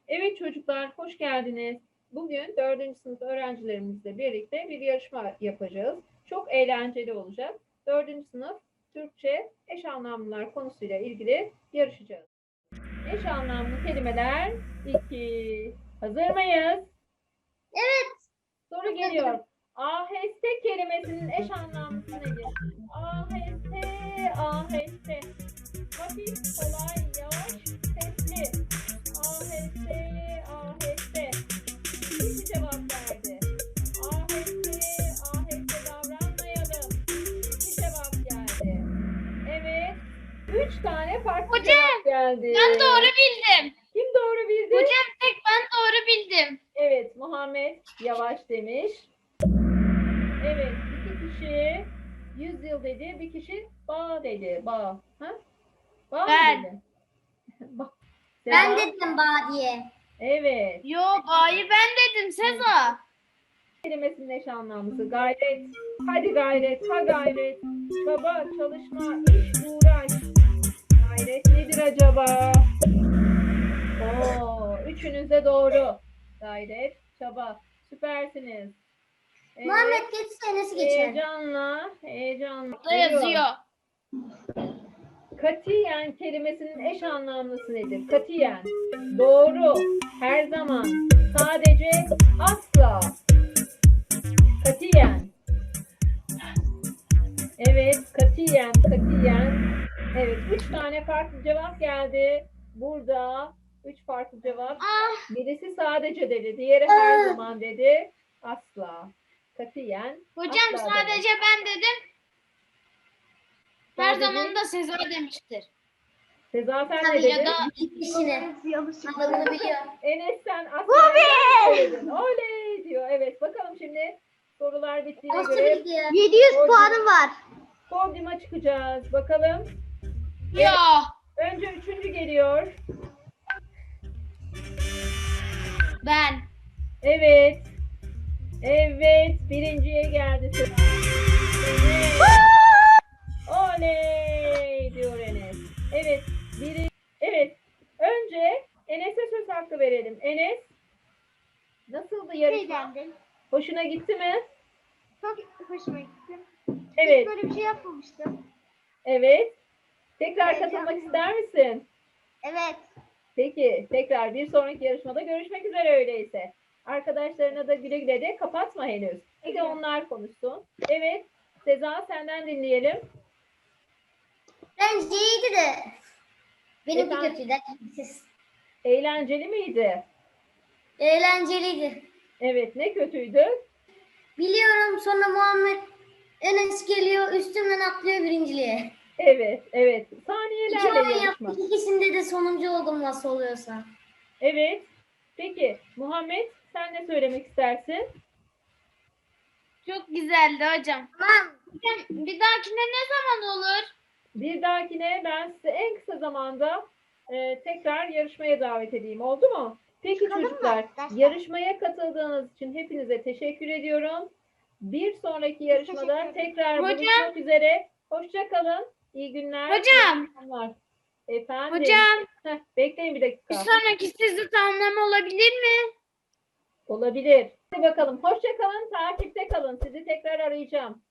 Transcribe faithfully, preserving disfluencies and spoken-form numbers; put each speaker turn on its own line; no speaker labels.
Evet çocuklar, hoş geldiniz. Bugün dördüncü sınıf öğrencilerimizle birlikte bir yarışma yapacağız. Çok eğlenceli olacak. Dördüncü sınıf Türkçe eş anlamlılar konusuyla ilgili yarışacağız. Eş anlamlı kelimeler iki. Hazır mıyız?
Evet.
Soru geliyor. Aheste kelimesinin eş anlamlısı nedir? Aheste, aheste. Hafif, kolay, yavaş, sesli. Aheste, aheste. İki cevap verdi. Aheste, aheste davranmayalım. İki cevap geldi. Evet. Üç tane farklı
Hocam,
cevap geldi.
Ben doğru bildim.
Kim doğru bildi?
Hocam tek ben doğru bildim.
Evet, Muhammed Yavaş demiş. Evet, iki kişi yüz yıl dedi, bir kişi bağ dedi. Bağ. Ha? Bağ
Ben.
mı dedi? Bağ.
Ben
Seda?
dedim bağ diye.
Evet.
Yo bağ'yı ben dedim Seza.
Kelimesinin eş anlamlısı gayret. Hadi gayret, ha gayret. Çaba, çalışma, iş, uğraş. Gayret nedir acaba? Oo, üçünüz de doğru. Gayret, çaba. Süpersiniz. Evet.
Muhammed geç senesi geçer.
Heyecanla, heyecanla.
Burada yazıyor.
Katiyen kelimesinin eş anlamlısı nedir? Katiyen. Doğru. Her zaman. Sadece. Asla. Katiyen. Evet. Katiyen. Katiyen. Evet. Üç tane farklı cevap geldi. Burada üç farklı cevap.
Ah.
Birisi sadece dedi. Diğeri her zaman dedi. Asla. Katiyen.
Hocam
asla
sadece
demek.
ben dedim. Her
Sadece-
zaman da Seza demiştir.
Seza sen ne
Tabii
dedin?
ya da ikisini. Anlamını biliyor.
Enes sen asla söyledin. Oley diyor. Evet bakalım şimdi sorular bittiğine
Nasıl
göre
bildi ya?
yedi yüz
Hocam.
puanım var.
podyuma çıkacağız. Bakalım.
Ya.
Önce üçüncü geliyor.
Ben.
Evet. Evet. Birinciye geldi. sıra. Evet. Oley diyor Enes. Evet. Biri. Evet. Önce Enes'e söz hakkı verelim. Enes. Nasıldı yarışma?
Eğlendim.
Hoşuna gitti mi?
Çok hoşuma gitti.
Evet.
Hiç böyle bir şey yapmamıştım.
Evet. Tekrar
Heyecanlıyım.
katılmak ister misin?
Evet.
Peki. Tekrar bir sonraki yarışmada görüşmek üzere öyleyse. Arkadaşlarına da güle güle de kapatma henüz. Bir de onlar konuşsun. Evet. Seza senden dinleyelim.
Bence iyiydi de. Benimki
Efendim?
kötüydü. Siz.
Eğlenceli miydi?
Eğlenceliydi.
Evet. Ne kötüydü?
Biliyorum sonra Muhammed Enes geliyor üstümden atlıyor birinciliğe.
Evet. Evet.
İki
Saniyelerle
oyun
yarışma.
yaptık. İkisinde de sonuncu oldum nasıl oluyorsa.
Evet. Peki. Muhammed sen ne söylemek istersin?
Çok güzeldi hocam. Tamam. Hocam bir dahakine ne zaman olur?
Bir dahakine ben size en kısa zamanda e, tekrar yarışmaya davet edeyim. Oldu mu? Peki
Çıkalım mı
çocuklar,
arkadaşlar?
yarışmaya katıldığınız için hepinize teşekkür ediyorum. Bir sonraki yarışmada
teşekkür ederiz.
tekrar
Hocam.
buluşmak üzere. Hoşça kalın. İyi günler.
Hocam.
iyi akşamlar. Efendim.
Hocam
Heh, bekleyin bir dakika.
bir sonraki sizi tamamlama olabilir mi?
Olabilir. Hadi bakalım. Hoşça kalın. Takipte kalın. Sizi tekrar arayacağım.